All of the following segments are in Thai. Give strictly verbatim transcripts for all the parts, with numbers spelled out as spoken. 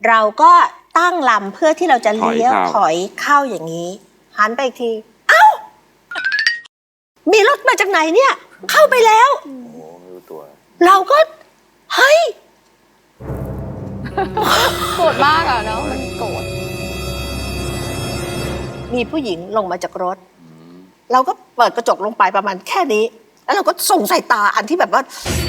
เราก็ตั้งลำเพื่อที่เราจะเลี้ยวถอยเข้าอย่างนี้หันไปอีกทีเอ้ามีรถมาจากไหนเนี่ยเข้าไปแล้วโอ้ไม่รู้ตัวเราก็เฮ้ยโกรธมากอ่ะเนาะมันโกรธมีผู้หญิงลงมาจากรถเราก็เปิดกระจกลงไปประมาณแค่นี้แล้วเราก็ส่งสายตาอันที่แบบว่า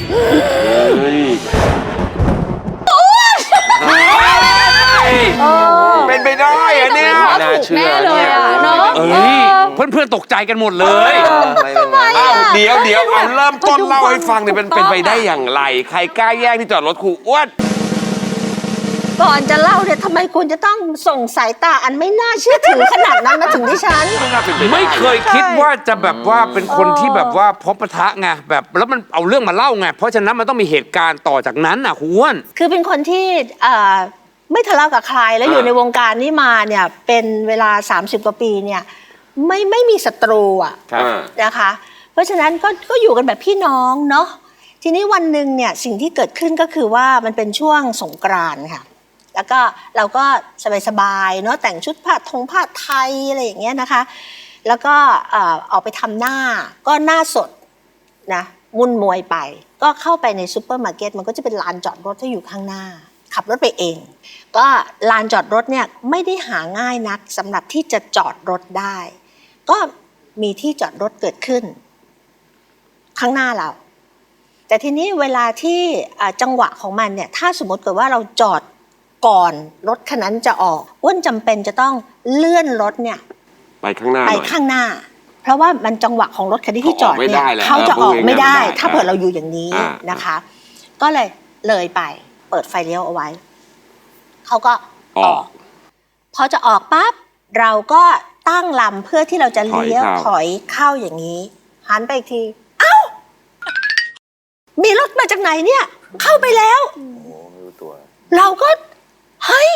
เป็นไปได้อะเนี่ยน่าเชื่อเลยอ่ะเนาะเพื่อนๆตกใจกันหมดเลยอ้าวเดี๋ยวเดี๋ยวเอาเริ่มต้นเล่าให้ฟังเนี่ยเป็นเป็นไปได้อย่างไรใครกล้าแย่งที่จอดรถครูอ้วนก่อนจะเล่าเนี่ยทำไมคุณจะต้องส่งสายตาอันไม่น่าเชื่อถือขนาดนั้นมาถึงดิฉันไม่เคยคิดว่าจะแบบว่าเป็นคนที่แบบว่าพบปะทะไงแบบแล้วมันเอาเรื่องมาเล่าไงเพราะฉะนั้นมันต้องมีเหตุการณ์ต่อจากนั้นน่ะครูอ้วนคือเป็นคนที่ไม่ทะเลาะกับใครแล้วอยู่ในวงการนี้มาเนี่ยเป็นเวลาสามสิบกว่าปีเนี่ยไม่ไม่มีศัตรูอ่ะนะคะเพราะฉะนั้นก็ก็อยู่กันแบบพี่น้องเนาะทีนี้วันหนึ่งเนี่ยสิ่งที่เกิดขึ้นก็คือว่ามันเป็นช่วงสงกรานต์ค่ะแล้วก็เราก็สบายๆเนาะแต่งชุดผ้าทงผ้าไทยอะไรอย่างเงี้ยนะคะแล้วก็ออกไปทำหน้าก็หน้าสดนะมุ่นมวยไปก็เข้าไปในซูเปอร์มาร์เก็ตมันก็จะเป็นลานจอดรถที่อยู่ข้างหน้าขับรถไปเองก็ลานจอดรถเนี่ยไม่ได้หาง่ายนักสำหรับที่จะจอดรถได้ก็มีที่จอดรถเกิดขึ้นข้างหน้าเราแต่ทีนี้เวลาที่จังหวะของมันเนี่ยถ้าสมมติเกิดว่าเราจอดก่อนรถคันนั้นจะออกอ้วนจำเป็นจะต้องเลื่อนรถเนี่ยไปข้างหน้าไปข้างหน้าเพราะว่ามันจังหวะของรถคันที่ที่จอดเนี่ยเขาจะออกไม่ได้ถ้าเผื่อเราอยู่อย่างนี้นะคะก็เลยเลยไปเปิดไฟเลี้ยวเอาไว้เขาก็ออกพอจะออกปั๊บเราก็ตั้งลำเพื่อที่เราจะเลี้ยวถอยเข้าอย่างนี้หันไปอีกทีเอ้ามีรถมาจากไหนเนี่ยเข้าไปแล้วโอ้ไม่รู้ตัวเราก็เฮ้ย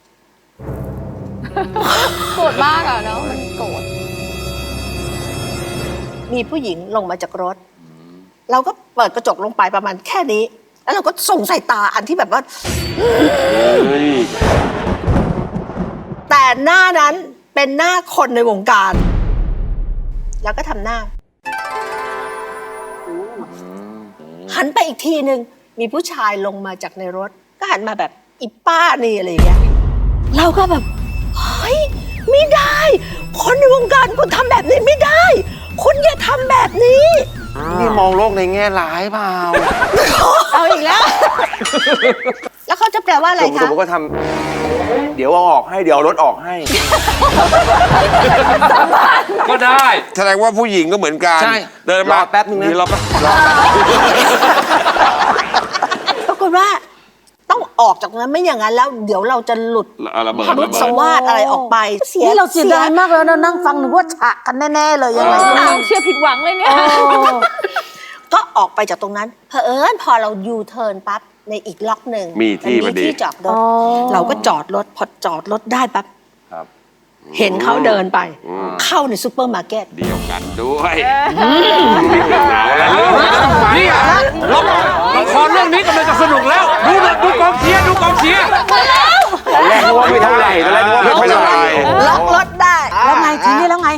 โกรธมากอ่ะเนาะมันโกรธมีผู้หญิงลงมาจากรถเราก็เปิดกระจกลงไปประมาณแค่นี้แล้วเราก็ส่งสายตาอันที่แบบว่าแต่หน้านั้นเป็นหน้าคนในวงการแล้วก็ทำหน้าหันไปอีกทีหนึ่งมีผู้ชายลงมาจากในรถก็หันมาแบบอีป้านี่อะไรอย่างเงี้ยเราก็แบบเฮ้ยไม่ได้คนในวงการคุณทำแบบนี้ไม่ได้คุณอย่าทำแบบนี้นี่มองโลกในแง่ร้ายเปล่าเอาอีกแล้วแล้วเขาจะแปลว่าอะไรคะผมก็ทำเดี๋ยวเอาออกให้เดี๋ยวรถออกให้ก็ได้แสดงว่าผู้หญิงก็เหมือนกันเดินมาแป๊บนึงนะเราก็ปรากฏว่าต้องออกจากนั้นไม่อย่างนั้นแล้วเดี๋ยวเราจะหลุดพรุษสวาทอะไรออกไปนี่เราเสียดายมากแล้วนะนั่งฟังหนูว่าฉะกันแน่ๆเลยยังไงต้องเชื่อผิดหวังเลยเนี่ยก็ออกไปจากตรงนั้นเผอิญพอเรายูเทิร์นปั๊บในอีกล็อกหนึ่งมีที่มีที่จอดรถเราก็จอดรถพอจอดรถได้ปั๊บเห็นเขาเดินไปเข้าในซูเปอร์มาร์เก็ตเดียวกันด้วยนี่ละครเรื่องนี้กำลังจะสนุกแล้วดูดูกองเชียร์ดูกองเชียร์แรกว่าไม่เท่าไหร่แรกว่าไม่เท่าไหร่ล็อกรถได้แล้วไงทีนี้แล้วไง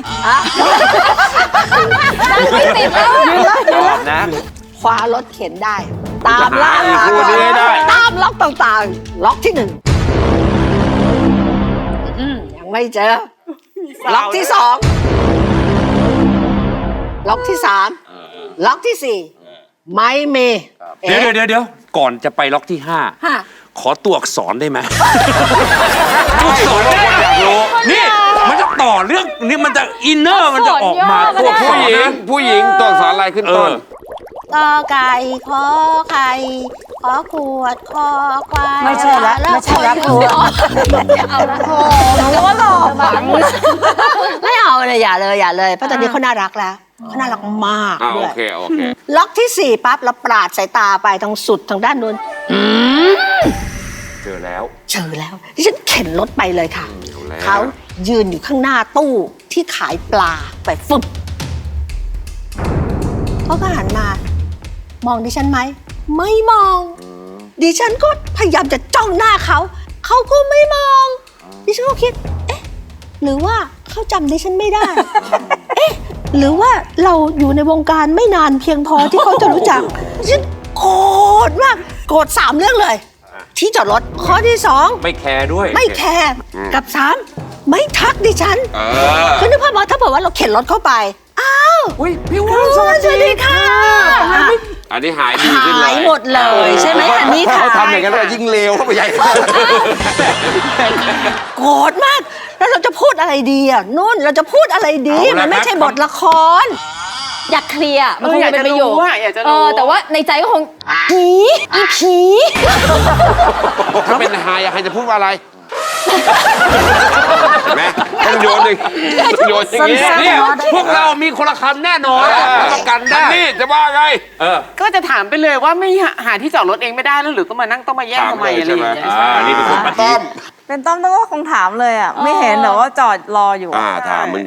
ไม่ติดแล้วยืนแล้วยืนแล้วนะคว้ารถเข็นได้ตามล่าหาตามล็อกต่างๆล็อกที่หนึ่งยังไม่เจอล็อกที่สองล็อกที่สามล็อกที่สี่ไม่มีเดี๋ยวเดี๋ยวเดี๋ยวก่อนจะไปล็อกที่ห้าขอตัวอักษรได้ไหมตัวอักษรได้อยากรู้นี่มันจะต่อเรื่องนี่มันจะอินเนอร์มันจะออกมาตัวผู้หญิงผู้หญิงตัวอักษรอะไรขึ้นต้นกอไก่ขอไข่ขอขวดคอควายไม่ใช่ละไม่ใช่ละครูเอาละโธ่หนูว่าหล่อฝังไม่เอาเลยอย่าเลยอย่าเลยเพราะตอนนี้เขาน่ารักแล้วเขาน่ารักมากโอเคโอเคล็อกที่สี่ปั๊บเราปราดสายตาไปทางสุดทางด้านนู้นเจอแล้วเจอแล้วที่ฉันเข็นรถไปเลยค่ะเขายืนอยู่ข้างหน้าตู้ที่ขายปลาไปฟึบเขาก็หันมามองดิฉันไหมไม่มองดิฉันก็พยายามจะจ้องหน้าเขาเขาก็ไม่มองดิฉันก็คิดเอ๊ะหรือว่าเขาจำดิฉันไม่ได้ เอ๊ะหรือว่าเราอยู่ในวงการไม่นานเพียงพอที่เขาจะรู้จักฉันโกรธมากโกรธสามเรื่องเลย ที่จอดรถข้อที่สองไม่แคร์ด้วยไม่แคร์กับสามไม่ทักดิฉันเออคือนึกภาพว่าถ้าบอกว่าเราเข็นรถเข้าไปอ้าวอุ้ยพี่คุวุ้นณสวัสดีค่ะอันนี้หายดีขึ้นเลยหายหมดเลยใช่ไหมอันนี้ค่ะเขาทำอย่างนั้นเลยยิ่งเลวเข้าไปใหญ่โกรธมาก แล้วเราจะพูดอะไรดีอ่ะนุ่นเราจะพูดอะไรดีเอาละมันไม่ครับใช่บทละครอยากเคลียร์มันคงจะเป็นประโยคอยากจะเอรู้อแต่ว่าในใจก็คงผีอีผีถ้าเป็นหายอยากให้จะพูดว่าอะไรเห็นไหมต้องโยนหนึ่งโยนอย่างนี้เนี่ย พวกเรามีคนละคำแน่นอนรับประกันได้นี่จะว่าไงเออก็จะถามไปเลยว่าไม่หาที่จอดรถเองไม่ได้แล้วหรือก็มานั่งต้องมาแย่งทำไมอะไรอย่างเงี้ยอ่าอันนี้เป็นคนปฏิเป็นต้อมต้องก็คงถามเลยอ่ะ ไม่เห็นเหรอว่าจอดรออยู่อ่าถามมึง